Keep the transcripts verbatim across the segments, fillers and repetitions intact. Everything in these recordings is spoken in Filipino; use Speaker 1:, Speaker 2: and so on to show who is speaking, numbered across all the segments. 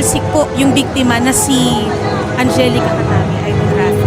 Speaker 1: nagsisik po yung biktima na si Angelica Katami, Idol Rafi.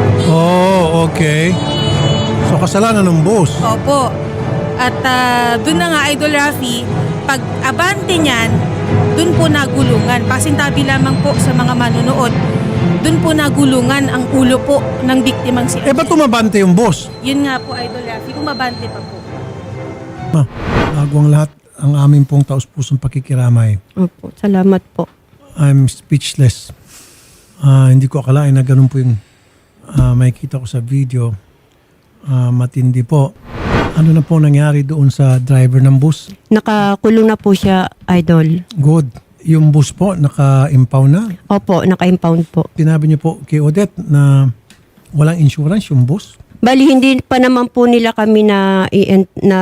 Speaker 2: Oh, okay. So kasalanan ng boss.
Speaker 1: Opo. At uh, dun na nga, Idol Rafi, pag abante niyan, dun po nagulungan. Pasintabi lamang po sa mga manunood, dun po nagulungan ang ulo po ng biktimang si
Speaker 2: Eh, ba't tumabante yung boss?
Speaker 1: Yun nga po, Idol Rafi, umabante pa po.
Speaker 2: Ma, bago ang lahat, ang aming pong taus-pusong pakikiramay.
Speaker 3: Opo, salamat po.
Speaker 2: I'm speechless. Ah, hindi ko akalain na ganun po yung ah, makikita ko sa video. Ah, matindi po. Ano na po nangyari doon sa driver ng bus?
Speaker 3: Nakakulong na po siya, Idol.
Speaker 2: Good. Yung bus po, naka-impound na.
Speaker 3: Opo, naka-impound po.
Speaker 2: Sinabi niyo po kay Odette na walang insurance yung bus.
Speaker 3: Bali, hindi pa naman po nila kami na, i- na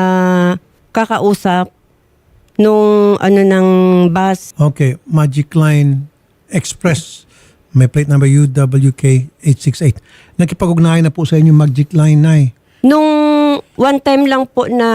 Speaker 3: kakausap nung ano ng bus.
Speaker 2: Okay, Magic Line Express. May plate number U W K eight six eight. Nakipag-ugnayan na po sa inyo Magic Line na eh.
Speaker 3: Nung one time lang po na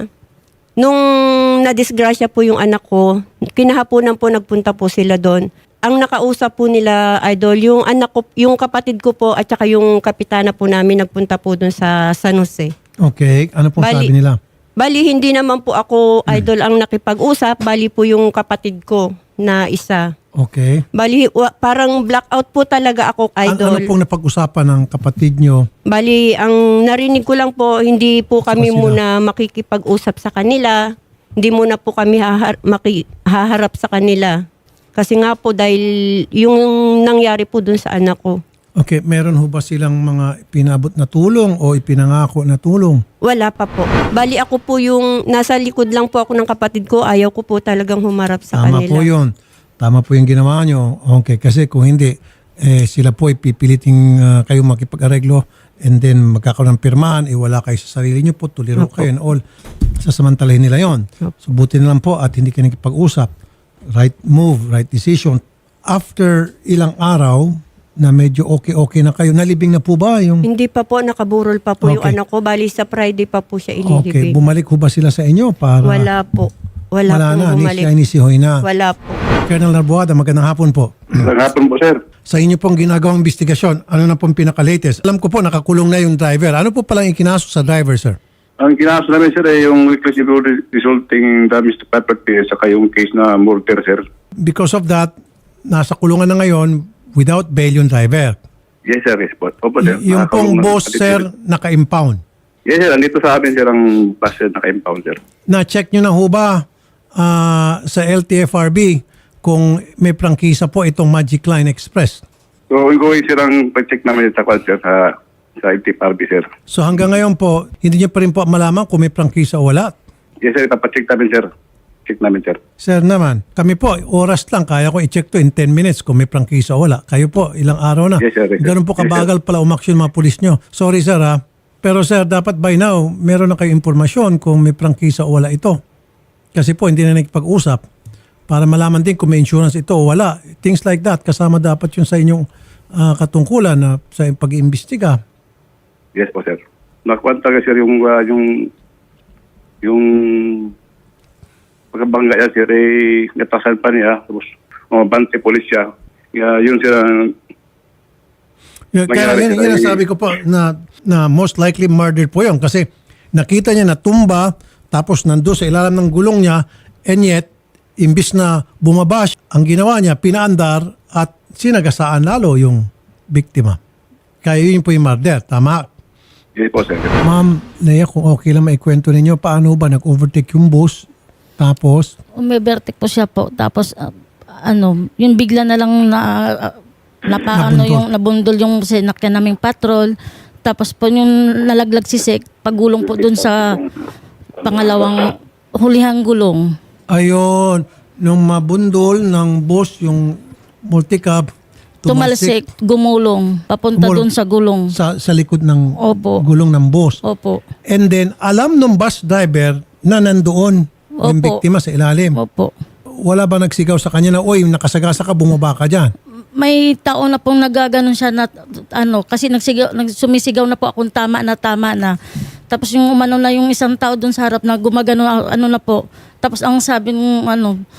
Speaker 3: nung nadisgrasya po yung anak ko, kinahaponan po nagpunta po sila doon. Ang nakausap po nila, Idol, yung anak ko, yung kapatid ko po at saka yung kapitana po namin nagpunta po doon sa San Jose.
Speaker 2: Okay, ano pong
Speaker 3: Bali-
Speaker 2: sabi nila?
Speaker 3: Bali, hindi naman po ako, Idol, ang nakipag-usap. Bali po yung kapatid ko na isa.
Speaker 2: Okay.
Speaker 3: Bali, wa- parang blackout po talaga ako,
Speaker 2: An-
Speaker 3: Idol.
Speaker 2: ano pong napag-usapan ng kapatid nyo?
Speaker 3: Bali, ang narinig ko lang po, hindi po kami
Speaker 2: Sila.
Speaker 3: muna makikipag-usap sa kanila. Hindi muna po kami hahar- maki- haharap sa kanila. Kasi nga po, dahil yung nangyari po dun sa anak ko.
Speaker 2: Okay, meron ho ba silang mga pinabot na tulong o ipinangako na tulong?
Speaker 3: Wala pa po. Bali, ako po yung nasa likod lang po ako ng kapatid ko. Ayaw ko po talagang humarap sa
Speaker 2: Tama
Speaker 3: kanila.
Speaker 2: po yun. Tama po yung ginawa nyo. Okay, kasi kung hindi, eh, sila po ipipiliting uh, kayo makipag-areglo and then magkakaroon ng pirmahan, eh, wala kayo sa sarili nyo po, tuliro
Speaker 3: Opo.
Speaker 2: kayo and all. Sasamantalahin nila yon. So buti na lang po at hindi kayo nakipag-usap. Right move, right decision. After ilang araw na medyo okay-okay na kayo, nalibing na po ba yung...
Speaker 3: Hindi pa po, nakaburol pa po yung
Speaker 2: Okay.
Speaker 3: anak ko. Bali, sa Friday pa po siya
Speaker 2: Okay,
Speaker 3: ililibing.
Speaker 2: bumalik ho ba sila sa inyo para...
Speaker 3: Wala po. Wala,
Speaker 2: Wala
Speaker 3: po
Speaker 2: na, ni
Speaker 3: bumalik.
Speaker 2: siya ni si Hoy na.
Speaker 3: Wala po.
Speaker 2: Colonel Narboada, magandang hapon po.
Speaker 4: Magandang hapon po, sir.
Speaker 2: Sa inyo pong ginagawang investigasyon, ano na pong pinaka-latest? Alam ko po, nakakulong na yung driver. Ano po palang ikinaso sa driver, sir?
Speaker 4: Ang kinaso namin, sir, ay yung reckless resulting damage to property at saka yung case na murder, sir.
Speaker 2: Because of that, nasa kulungan na ngayon without bail yung driver.
Speaker 4: Yes, sir. Yes, po. Opo, sir.
Speaker 2: Y- yung pong
Speaker 4: Nakakulong na-
Speaker 2: boss, sir, naka-impound.
Speaker 4: Yes, sir. Andito sa amin, sir, ang bus, sir, naka-impound, sir.
Speaker 2: Na-check nyo na ho ba ah, sa L T F R B kung may prangkisa po itong Magic Line Express?
Speaker 4: So, ongoing, sir, ang pag-check namin sa kwal, sir, sa, sa I T F R B, sir.
Speaker 2: So hanggang ngayon po, hindi nyo pa rin po malaman kung may prangkisa o wala.
Speaker 4: Yes, sir. Papacheck namin, sir. Check namin, sir.
Speaker 2: Sir naman, kami po, oras lang, kaya ko i-check to in ten minutes kung may prangkisa o wala. Kayo po, ilang araw na.
Speaker 4: Yes, sir. Yes, sir.
Speaker 2: Ganun po
Speaker 4: Yes,
Speaker 2: kabagal pala umaksyon mga pulis nyo. Sorry sir ha. Pero sir, dapat by now, meron na kayo impormasyon kung may prangkisa o wala ito. Kasi po, hindi na nakipag-usap para malaman din kung may insurance ito o wala. Things like that, kasama dapat yun sa inyong ah, katungkulan na sa pag-iimbestiga.
Speaker 4: Yes po, sir. Nakuha talaga, sir, yung, uh, yung, yung pagkabangga niya, sir, eh, natasan pa niya. Tapos, oh, bante polis siya. Kaya yun, sir, ang
Speaker 2: Yun, Kaya
Speaker 4: Nangyari
Speaker 2: yun,
Speaker 4: sila
Speaker 2: yun ang
Speaker 4: yung-
Speaker 2: sabi ko po na, na most likely murder po yun kasi nakita niya na tumba tapos nando sa ilalim ng gulong niya and yet imbis na bumaba siya, ang ginawa niya pinaandar at sinagasaan lalo yung biktima. Kaya yun po yung murder. Tama.
Speaker 4: yes po, sir.
Speaker 2: Ma'am Leia, kung okay lang maikwento ninyo, paano ba nag-overtake yung bus tapos
Speaker 5: Umibertik po siya po. Tapos, ah, ano, yung bigla na lang na, uh, napaano
Speaker 2: Nabundol.
Speaker 5: yung, nabundol yung sinakyan naming patrol. Tapos po yung nalaglag si Sek, pagulong po dun sa pangalawang hulihang gulong.
Speaker 2: ayun, nung mabundol ng bus yung multicab,
Speaker 5: Tumalsik, gumulong, papunta
Speaker 2: Gumulong.
Speaker 5: dun sa gulong.
Speaker 2: sa, sa likod ng
Speaker 5: Opo.
Speaker 2: gulong ng bus.
Speaker 5: Opo.
Speaker 2: And then, alam ng bus driver na nandoon yung
Speaker 5: Opo.
Speaker 2: biktima sa ilalim.
Speaker 5: Opo.
Speaker 2: Wala ba nagsigaw sa kanya na, oy, nakasagasa ka, bumaba ka dyan?
Speaker 5: May tao na pong nagaganon siya na ano kasi nagsigaw, nagsumisigaw na po akong tama na tama na. Tapos yung umano na yung isang tao doon sa harap na gumagano ano na po. Tapos ang sabi ng ano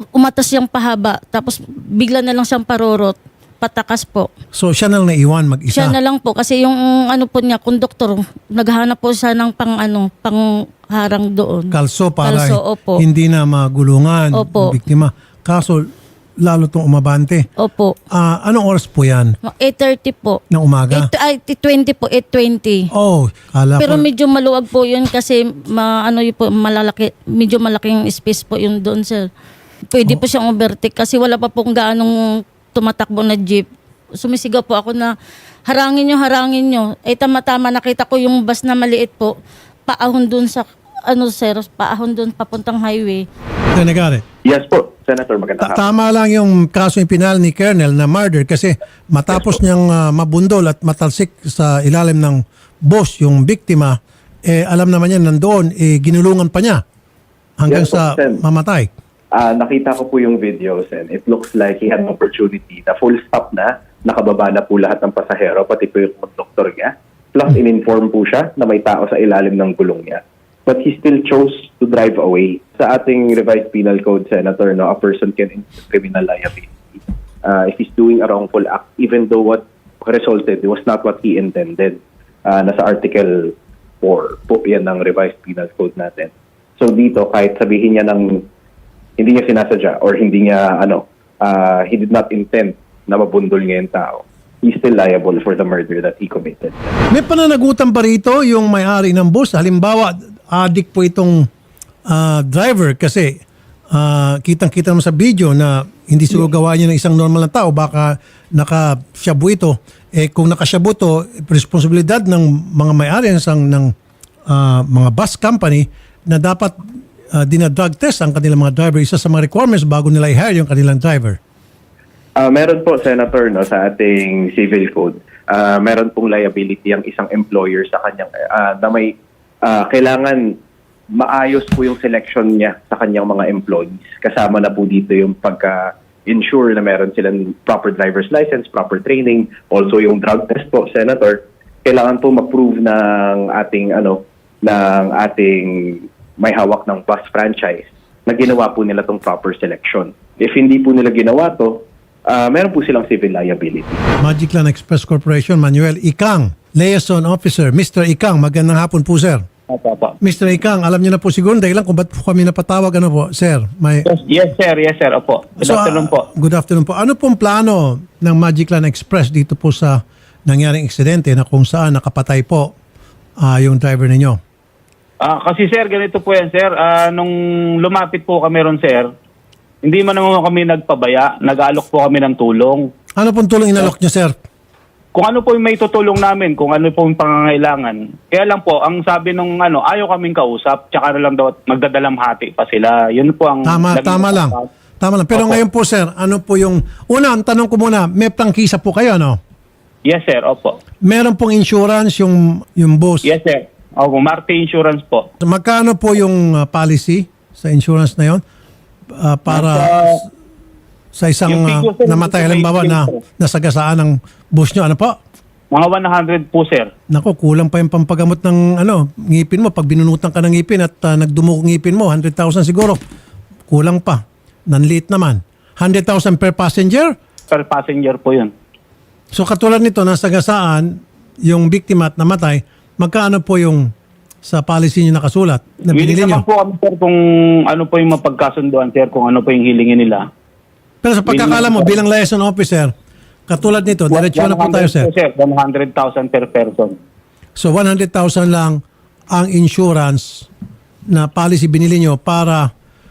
Speaker 5: umatas siyang pahaba, tapos bigla na lang siyang parorot, patakas po.
Speaker 2: So siya na lang naiwan mag-isa.
Speaker 5: Siya na lang po kasi yung ano po niya, konduktor, naghahanap po siya ng pang ano, pang harang doon.
Speaker 2: Kalso para
Speaker 5: Kalso, opo.
Speaker 2: hindi na magulungan
Speaker 5: Opo.
Speaker 2: ang biktima. Kaso lalo tong umabante.
Speaker 5: Opo.
Speaker 2: Ah, anong oras po yan?
Speaker 5: eight thirty po.
Speaker 2: Ng umaga?
Speaker 5: eight, ay, twenty po, eight twenty.
Speaker 2: Oh, kala
Speaker 5: Pero
Speaker 2: ko.
Speaker 5: medyo maluwag po yun kasi ma, ano yun po, malalaki, medyo malaking space po yun doon, sir. Pwede po siyang overtake kasi wala pa pong gaanong tumatakbo na jeep. Sumisigaw po ako na harangin nyo, harangin nyo. Eh tama-tama nakita ko yung bus na maliit po, paahon doon sa, ano sir, paahon doon papuntang highway.
Speaker 2: Senator,
Speaker 6: Yes po, Senator, magandang
Speaker 2: ta-
Speaker 6: hapon.
Speaker 2: tama lang yung kaso yung pinal ni Colonel na murder kasi matapos niyang ah, mabundol at matalsik sa ilalim ng boss yung biktima, eh alam naman niya nandoon, eh ginulungan pa niya hanggang
Speaker 6: Yes po,
Speaker 2: sa
Speaker 6: Sen.
Speaker 2: mamatay.
Speaker 6: Ah, nakita ko po yung videos and it looks like he had an opportunity na full stop na, nakababa na po lahat ng pasahero, pati po yung conductor niya. Plus, in-inform po siya na may tao sa ilalim ng gulong niya. But he still chose to drive away. Sa ating revised penal code, Senator, no, a person can incur criminal liability uh, if he's doing a wrongful act, even though what resulted was not what he intended. Uh, nasa Article four po yan ng revised penal code natin. So dito, kahit sabihin niya ng hindi niya sinasadya or hindi niya, ano, uh, he did not intend na mabundol niya yung tao, he's still liable for the murder that he committed.
Speaker 2: May pananagutan pa rito yung may-ari ng bus. Halimbawa, addict po itong ah, driver kasi ah, kitang-kita naman sa video na hindi siguro gawa niya ng isang normal na tao. Baka nakasyabu ito. Eh kung nakasyabu to, responsibilidad ng mga may-ari ng, isang- ng ah, mga bus company na dapat uh, dinadrug test ang kanilang mga driver. Isa sa mga requirements bago nila i-hire yung kanilang driver.
Speaker 6: Uh, meron po, Senator, no, sa ating civil code, uh, meron pong liability ang isang employer sa kanyang, uh, na may uh, kailangan maayos po yung selection niya sa kanyang mga employees. Kasama na po dito yung pagka-ensure na meron silang proper driver's license, proper training, also yung drug test po, Senator. Kailangan po mag-prove ng ating, ano, ng ating may hawak ng bus franchise na ginawa po nila tong proper selection. If hindi po nila ginawa to, uh, meron po silang civil liability.
Speaker 2: Magic Land Express Corporation, Manuel Ikang, liaison officer. Mister Ikang, magandang hapon po, sir.
Speaker 7: Opo, opo.
Speaker 2: Mister Ikang, alam niyo na po siguro dahilan kung ba't po kami napatawag. Ano po, sir? May...
Speaker 7: Yes, yes, sir. Yes, sir. Opo. Good
Speaker 2: So,
Speaker 7: afternoon
Speaker 2: ah,
Speaker 7: po.
Speaker 2: Good afternoon po. Ano pong plano ng Magic Land Express dito po sa nangyaring aksidente na kung saan nakapatay po ah, yung driver ninyo?
Speaker 7: Ah, kasi sir, ganito po yan, sir. Ah, nung lumapit po kami ron, sir, hindi man naman kami nagpabaya. Nag-aalok po kami ng tulong.
Speaker 2: Ano pong tulong inalok niyo, sir?
Speaker 7: Kung ano po yung may tutulong namin, kung ano po yung pangangailangan. Kaya lang po, ang sabi nung ano, ayaw kaming kausap, tsaka na lang daw magdadalamhati pa sila. Yun po ang...
Speaker 2: Tama,
Speaker 7: naging
Speaker 2: tama lang.
Speaker 7: usapan.
Speaker 2: Tama lang. Pero
Speaker 7: Opo.
Speaker 2: ngayon po, sir, ano po yung... Una, ang tanong ko muna, may prangkisa po kayo, no?
Speaker 7: Yes, sir. Opo.
Speaker 2: Meron pong insurance yung, yung bus.
Speaker 7: Yes, sir. Opo, Marte Insurance po.
Speaker 2: Magkano po yung uh, policy sa insurance na yon uh, para
Speaker 7: Nasa-
Speaker 2: sa isang
Speaker 7: Yung
Speaker 2: uh,
Speaker 7: figure, sir,
Speaker 2: namatay
Speaker 7: yung
Speaker 2: halimbawa na
Speaker 7: figure, sir.
Speaker 2: nasagasaan ng bus nyo? Ano po?
Speaker 7: Mga one hundred po, sir.
Speaker 2: Nako, kulang pa yung pampagamot ng ano, ngipin mo. Pag binunutan ka ng ngipin at uh, nagdumuko ngipin mo, one hundred thousand siguro. Kulang pa. Nanliit naman. one hundred thousand per passenger?
Speaker 7: Per passenger po yun.
Speaker 2: So katulad nito, nasagasaan yung biktima at namatay, magkano po yung sa policy nyo nakasulat na
Speaker 7: Willing
Speaker 2: binili
Speaker 7: naman
Speaker 2: nyo?
Speaker 7: po kami, sir, kung ano po yung mapagkasunduan, sir, kung ano po yung hilingin nila.
Speaker 2: Pero sa pagkakala mo, bilang liaison officer, katulad nito, diretso na po tayo, sir.
Speaker 7: one hundred po, sir. one hundred thousand per person.
Speaker 2: So one hundred thousand lang ang insurance na policy binili nyo para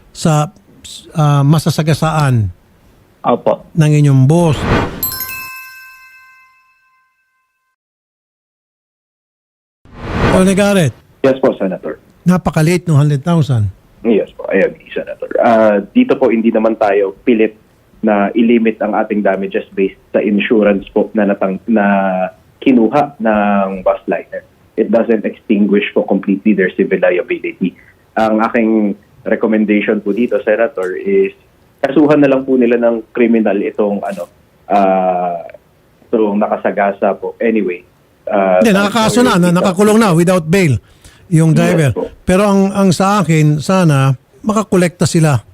Speaker 2: sa ah, masasagasaan
Speaker 7: Opo.
Speaker 2: ng inyong boss. Tony Garrett,
Speaker 6: Yes po, Senator.
Speaker 2: napakaliit ng one hundred thousand.
Speaker 6: Yes po, I agree, Senator. Uh, dito po, hindi naman tayo pilit na ilimit ang ating damages based sa insurance po na, natang, na kinuha ng bus liner. It doesn't extinguish po completely their civil liability. Ang aking recommendation po dito, Senator, is kasuhan na lang po nila ng criminal itong ano, uh, itong nakasagasa po. Anyway. Uh,
Speaker 2: Hindi, nakakaso na, na, nakakulong na without bail yung driver.
Speaker 6: Yes po.
Speaker 2: Pero ang, ang sa akin, sana makakolekta sila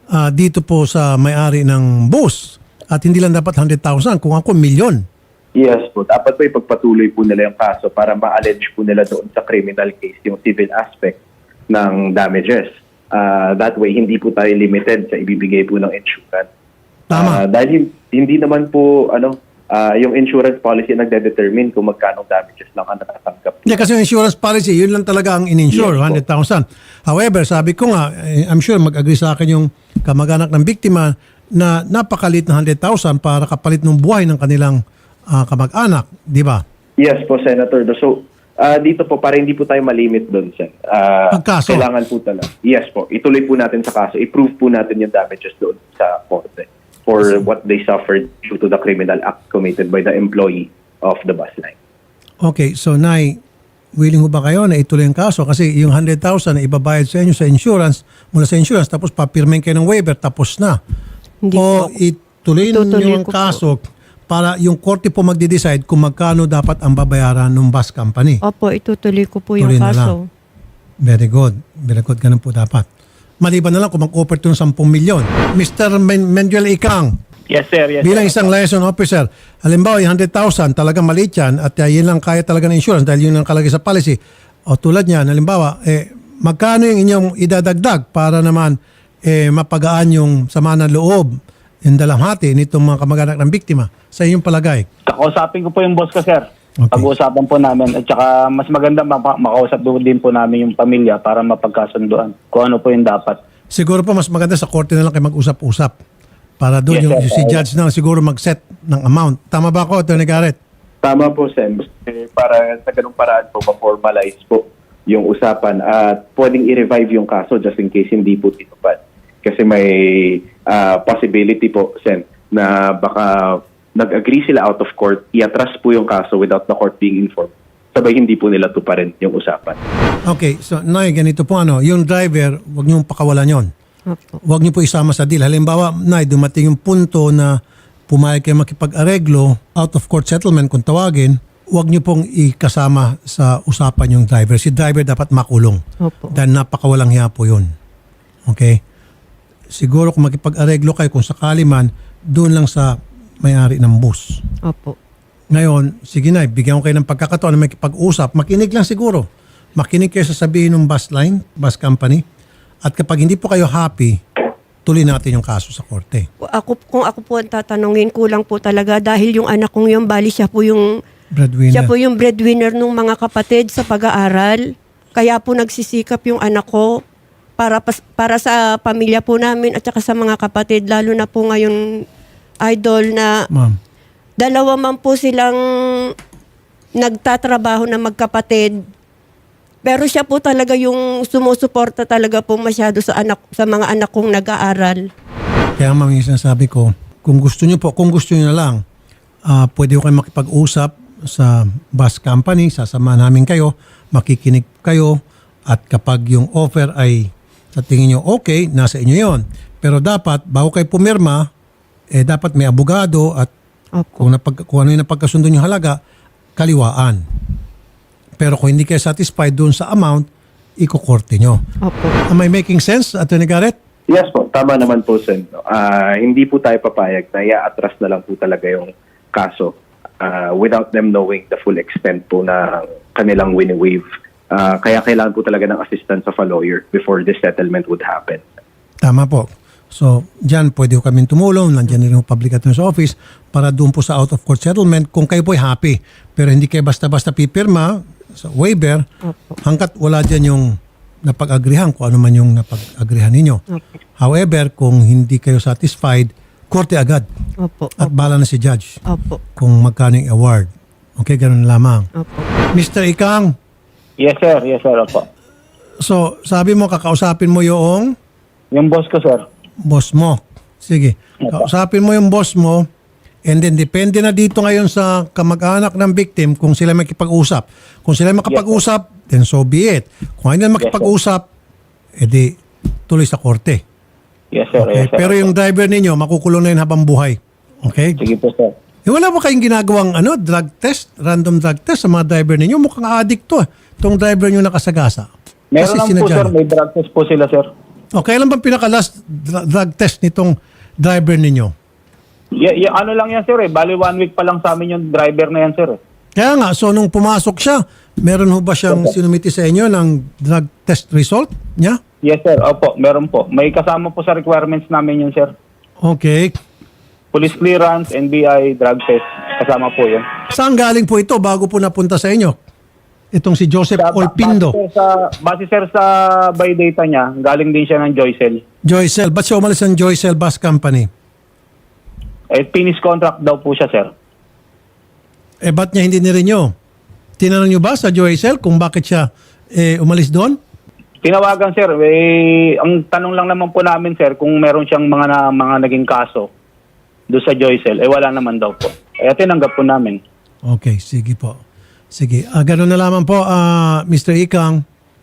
Speaker 2: ah, dito po sa may-ari ng bus. At hindi lang dapat one hundred thousand, kung ako milyon.
Speaker 6: Yes po. Dapat po ipagpatuloy po nila yung kaso para ma-allege po nila doon sa criminal case yung civil aspect ng damages. Ah, that way, hindi po tayo limited sa ibibigay po ng insurance.
Speaker 2: Tama.
Speaker 6: Ah, dahil hin- hindi naman po ano ah, yung insurance policy nagde-determine kung magkano damages lang ang natatanggap.
Speaker 2: Yeah, kasi yung insurance policy, yun lang talaga ang in-insure,
Speaker 6: Yes, po.
Speaker 2: one hundred thousand. However, sabi ko nga, eh, I'm sure mag-agree sa akin yung kamag-anak ng biktima na napakalit na one hundred thousand para kapalit ng buhay ng kanilang ah, kamag-anak, di ba?
Speaker 6: Yes po, Senator. So, ah, dito po, para hindi po tayo malimit doon, Sen. Ah,
Speaker 2: Pagkaso.
Speaker 6: Kailangan po talaga. Yes po, ituloy po natin sa kaso. I-prove po natin yung damages doon sa korte for what they suffered due to the criminal act committed by the employee of the bus line.
Speaker 2: Okay, so Nay, willing ho ba kayo na ituloy yung kaso? Kasi yung one hundred thousand na ibabayad sa inyo sa insurance, mula sa insurance, tapos papirmain kayo ng waiver, tapos na.
Speaker 3: Hindi
Speaker 2: o
Speaker 3: po.
Speaker 2: ituloy
Speaker 3: Itutuloy
Speaker 2: niyo yung
Speaker 3: ko po.
Speaker 2: kaso para yung korte po magde-decide kung magkano dapat ang babayaran ng bus company.
Speaker 3: Opo, itutuloy ko po yung
Speaker 2: Tuloy na
Speaker 3: kaso.
Speaker 2: Very good. Very good. Ganun po dapat. Maliban na lang kung mag-offer ito ng ten milyon. Mister Men- Menjuel Ikang,
Speaker 7: Yes, sir. Yes,
Speaker 2: bilang
Speaker 7: sir.
Speaker 2: isang liaison officer, halimbawa yung one hundred thousand, talagang maliit yan at uh, yun lang kaya talaga ng insurance dahil yun lang kalagay sa policy. O tulad niyan, halimbawa, eh, magkano yung inyong idadagdag para naman eh, mapagaan yung sama ng loob, yung dalamhati nitong mga kamag-anak ng biktima sa inyong palagay?
Speaker 7: Kakausapin ko po yung boss ko, sir.
Speaker 2: Okay.
Speaker 7: Pag-uusapan po namin. At saka mas maganda maka- makausap doon din po namin yung pamilya para mapagkasunduan kung ano po yung dapat.
Speaker 2: Siguro po mas maganda sa korte na lang kayo mag-usap-usap para doon
Speaker 7: Yes,
Speaker 2: yung
Speaker 7: sir.
Speaker 2: si judge na lang siguro mag-set ng amount. Tama ba ako, Atty. Garrett?
Speaker 6: Tama po, Sen. Eh, Para sa ganung paraan po, ma-formalize po yung usapan at pwedeng i-revive yung kaso just in case hindi po tinupad. Kasi may ah, possibility po, Sen, na baka nag-agree sila out of court, i-atras po yung kaso without the court being informed. Sabay hindi po nila tuparin yung usapan.
Speaker 2: Okay, so Nay, ganito po ano, yung driver, wag niyong pakawalan yon.
Speaker 3: Opo.
Speaker 2: Huwag niyo po isama sa deal. Halimbawa, Nay, dumating yung punto na pumayag kayo makipag-areglo, out of court settlement kung tawagin, huwag niyo pong ikasama sa usapan yung driver. Si driver dapat makulong.
Speaker 3: Opo.
Speaker 2: Dahil napakawalang hiya po yun. Okay? Siguro kung makipag-areglo kayo, kung sakali man, doon lang sa may-ari ng bus.
Speaker 3: Opo.
Speaker 2: Ngayon, sige na, bigyan ko kayo ng pagkakataon na makipag-usap. Makinig lang siguro. Makinig kayo sa sabihin ng bus line, bus company. At kapag hindi po kayo happy, tuloy natin yung kaso sa korte.
Speaker 3: Ako, kung ako po ang tatanungin, kulang po talaga dahil yung anak kong yung bali, siya po yung,
Speaker 2: Breadwinner.
Speaker 3: siya po yung breadwinner ng mga kapatid sa pag-aaral. Kaya po nagsisikap yung anak ko para, pas, para sa pamilya po namin at saka sa mga kapatid. Lalo na po ngayon, idol, na
Speaker 2: Ma'am.
Speaker 3: dalawa man po silang nagtatrabaho na magkapatid. Pero siya po talaga yung sumusuporta talaga po masyado sa anak sa mga anak kong nag-aaral.
Speaker 2: Kaya ma'am, yung sinasabi ko, kung gusto niyo po, kung gusto niyo na lang, ah pwede ko kayo makipag-usap sa bus company, sasamahan namin kayo, makikinig kayo, at kapag yung offer ay sa tingin niyo okay, nasa inyo yon. Pero dapat, bago kayo pumirma, eh dapat may abogado at
Speaker 3: Opo.
Speaker 2: kung, napag, kung ano yung napagkasundo yung halaga, kaliwaan. Pero kung hindi kayo satisfied doon sa amount, ikukorte nyo.
Speaker 3: Opo.
Speaker 2: Am I making sense, Atty. Garrett?
Speaker 6: Yes po, tama naman po, Sen. Ah, hindi po tayo papayag na i-atras na lang po talaga yung kaso ah, without them knowing the full extent po na kanilang wini-waive. Ah, kaya kailangan po talaga ng assistance of a lawyer before this settlement would happen.
Speaker 2: Tama po. So, dyan pwede ko kami tumulong. Nandiyan rin yung public attorney's office para doon po sa out-of-court settlement kung kayo po'y happy. Pero hindi kayo basta-basta pipirma sa waiver
Speaker 3: Opo.
Speaker 2: hanggat wala dyan yung napag-agrihan kung ano man yung napag-agrihan ninyo.
Speaker 3: Opo.
Speaker 2: However, kung hindi kayo satisfied, korte agad.
Speaker 3: Opo.
Speaker 2: At bala na si judge
Speaker 3: Opo.
Speaker 2: kung magkano yung award. Okay, ganun lamang.
Speaker 3: Opo.
Speaker 2: Mister Ikang,
Speaker 7: Yes, sir. Yes, sir. Opo.
Speaker 2: so sabi mo kakausapin mo yung
Speaker 7: Yung boss ko, sir.
Speaker 2: boss mo. Sige. Kausapin mo yung boss mo and then depende na dito ngayon sa kamag-anak ng victim kung sila makipag-usap. Kung sila makapag-usap, then so be it. Kung hindi na makipag-usap, edi tuloy sa korte.
Speaker 7: Yes, sir.
Speaker 2: Okay?
Speaker 7: Yes, sir.
Speaker 2: Pero yung driver ninyo, makukulong na yun habang buhay. Okay?
Speaker 7: Sige po, sir.
Speaker 2: Eh, wala ba kayong ginagawang ano, drug test, random drug test sa mga driver ninyo? Mukhang addict to. Itong driver nyo nakasagasa.
Speaker 7: Meron lang po,
Speaker 2: sinadya
Speaker 7: sir.
Speaker 2: nyo.
Speaker 7: May drug test po sila, sir.
Speaker 2: O, kailan bang pinaka-last dr- drug test nitong driver ninyo?
Speaker 7: Y- y- ano lang yan, sir eh. Bali one week pa lang sa amin yung driver na yan, sir eh.
Speaker 2: Kaya nga, so nung pumasok siya, meron ho ba siyang sinumiti sa inyo ng drug test result niya?
Speaker 7: Yes, sir. Opo, meron po. May kasama po sa requirements namin yun, sir.
Speaker 2: Okay.
Speaker 7: Police clearance, N B I, drug test. Kasama po yun.
Speaker 2: Saan galing po ito bago po napunta sa inyo? Itong si Joseph
Speaker 7: Sa-
Speaker 2: Olpindo.
Speaker 7: Base, sir, sa, base, sir, sa by data niya, galing din siya ng Joycel.
Speaker 2: Joycel. Ba't siya umalis ng Joycel Bus Company?
Speaker 7: Eh, finish contract daw po siya, sir.
Speaker 2: Eh, ba't niya hindi nirinyo? Tinanong niyo ba sa Joycel kung bakit siya eh, umalis doon?
Speaker 7: Tinawagan, sir. Eh, ang tanong lang naman po namin, sir, kung meron siyang mga na, mga naging kaso doon sa Joycel. Eh, wala naman daw po. Eh, tinanggap po namin.
Speaker 2: Okay, sige po. Sige. Ah, ganun na lamang po, ah, Mister Ikang.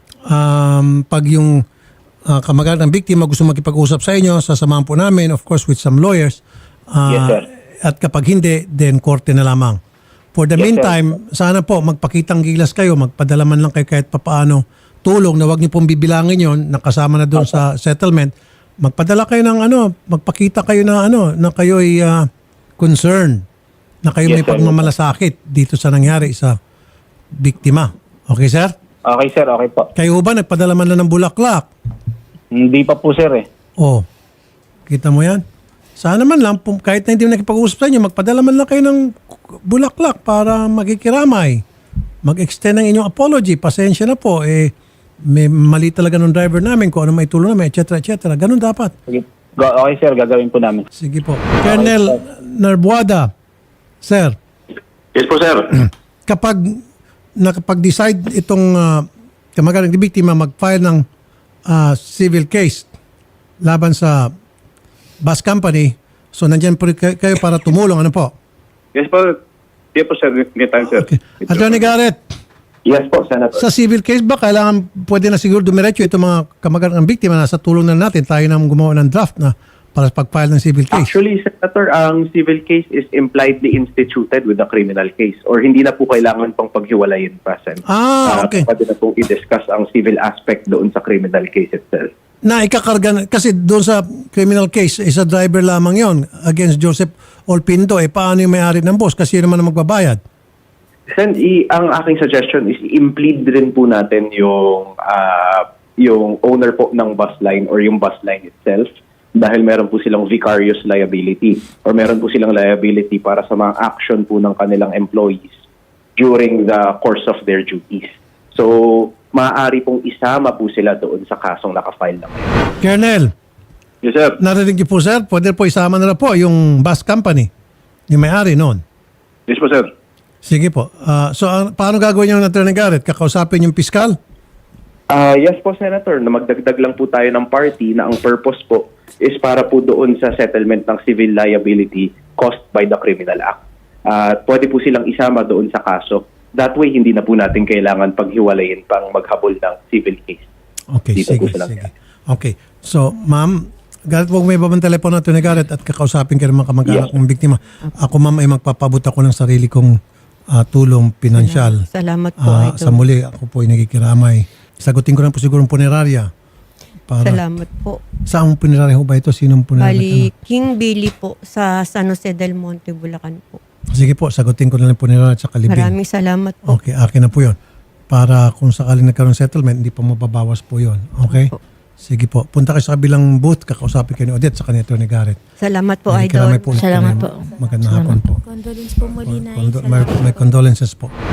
Speaker 2: Um, pag yung uh, kamag-anak ng biktima gusto makipag-usap sa inyo, sasamahan po namin, of course, with some lawyers. Ah,
Speaker 7: Yes, sir.
Speaker 2: At kapag hindi, then korte na lamang. For the
Speaker 7: Yes,
Speaker 2: meantime, sana po magpakitang gilas kayo, magpadala man lang kayo kahit papaano tulong na wag niyo pong bibilangin yon na kasama na doon sa settlement. Magpadala kayo ng ano, magpakita kayo na ano, na kayo ay ah, concerned, na kayo
Speaker 7: Yes,
Speaker 2: may
Speaker 7: sir.
Speaker 2: pagmamalasakit dito sa nangyari sa biktima. Okay, sir?
Speaker 7: Okay, sir. Okay po.
Speaker 2: Kayo ba nagpadala man lang ng bulaklak?
Speaker 7: Hindi pa po, sir eh.
Speaker 2: Oh, kita mo yan? Sana man lang, pum- kahit na hindi mo nakipag-usap sa inyo, magpadala man lang kayo ng bulaklak para magikiramay. Mag-extend ng inyong apology. Pasensya na po. Eh, may mali talaga ng driver namin kung ano may tulong namin, et cetera, et cetera. Ganun dapat.
Speaker 7: Sige. Go- Okay, sir. Gagawin po namin.
Speaker 2: Sige po. Colonel Narbuada, sir,
Speaker 4: Yes po, sir.
Speaker 2: kapag nakapag-decide itong uh, kamag-anak ng biktima mag-file ng ah, civil case laban sa bus company, so nandyan po kay- kayo para tumulong. Ano po?
Speaker 4: Yes po. Yes po, sir. Good time, sir.
Speaker 2: Okay. Attorney Garrett,
Speaker 6: Yes po, Senator.
Speaker 2: sa civil case ba kailangan pwede na siguro dumiretso itong mga kamag-anak ng biktima na sa tulong na natin tayo na gumawa ng draft na para sa pag-file ng civil case?
Speaker 6: Actually, Senator, ang civil case is impliedly instituted with the criminal case or hindi na po kailangan pang paghiwalayin pa, Sen.
Speaker 2: Ah,
Speaker 6: Ah,
Speaker 2: okay.
Speaker 6: Pwede na pong i-discuss ang civil aspect doon sa criminal case itself.
Speaker 2: Na ikakarga na, kasi doon sa criminal case, isa driver lamang yon against Joseph Olpindo. Eh, paano yung may-ari ng boss? Kasi yun naman ang magbabayad.
Speaker 6: Sen, i- ang aking suggestion is i-implead rin po natin yung ah, yung owner po ng bus line or yung bus line itself dahil meron po silang vicarious liability or meron po silang liability para sa mga action po ng kanilang employees during the course of their duties. So, maaari pong isama po sila doon sa kasong nakafile na ngayon.
Speaker 2: Colonel,
Speaker 4: Yes, sir.
Speaker 2: narinig niyo po, sir, pwede po isama na po yung bus company, yung may-ari noon.
Speaker 4: Yes po, sir.
Speaker 2: Sige po. Ah, so, ang- paano gagawin yung Attorney Garrett? Kakausapin yung piskal?
Speaker 6: Ah, yes po, Senator, na magdagdag lang po tayo ng party na ang purpose po is para po doon sa settlement ng civil liability caused by the Criminal Act. At pwede po silang isama doon sa kaso. That way, hindi na po natin kailangan paghiwalayin pang maghabol ng civil case.
Speaker 2: Okay,
Speaker 6: Dito
Speaker 2: sige,
Speaker 6: po sila.
Speaker 2: sige. Okay. So, ma'am, Garrett, huwag may babang telepono natin ni Garrett at kakausapin kayo ng mga kamag-anak ng biktima. Ako, ma'am, ay magpapabot ako ng sarili kong ah, tulong pinansyal.
Speaker 3: Salamat po,
Speaker 2: Ah,
Speaker 3: Idol.
Speaker 2: sa muli, ako po ay nagkikiramay. Sagutin ko na po siguro ang punerarya. Para,
Speaker 3: Salamat po.
Speaker 2: Saan punerarya ho ba ito? Sinong punerarya?
Speaker 3: Bali, King Billy po sa San Jose del Monte, Bulacan po.
Speaker 2: Sige po, sagutin ko na lang punerarya at sa kalibing.
Speaker 3: Maraming salamat po.
Speaker 2: Okay, akin na po yun. Para kung sakaling nagkaroon ng settlement, hindi pa mababawas po yun. Okay?
Speaker 3: Opo.
Speaker 2: Sige po. Punta kayo sa kabilang booth, kakausapin kayo ni Odette sa kanito ni Garrett.
Speaker 3: Salamat po,
Speaker 2: Maraming
Speaker 3: Idol.
Speaker 2: salamat po ulit
Speaker 5: Salamat
Speaker 2: po.
Speaker 5: po.
Speaker 2: Magandang hapon po.
Speaker 1: Condolence po muli, Nay.
Speaker 2: Condo-
Speaker 1: Salamat
Speaker 2: may, may condolences po.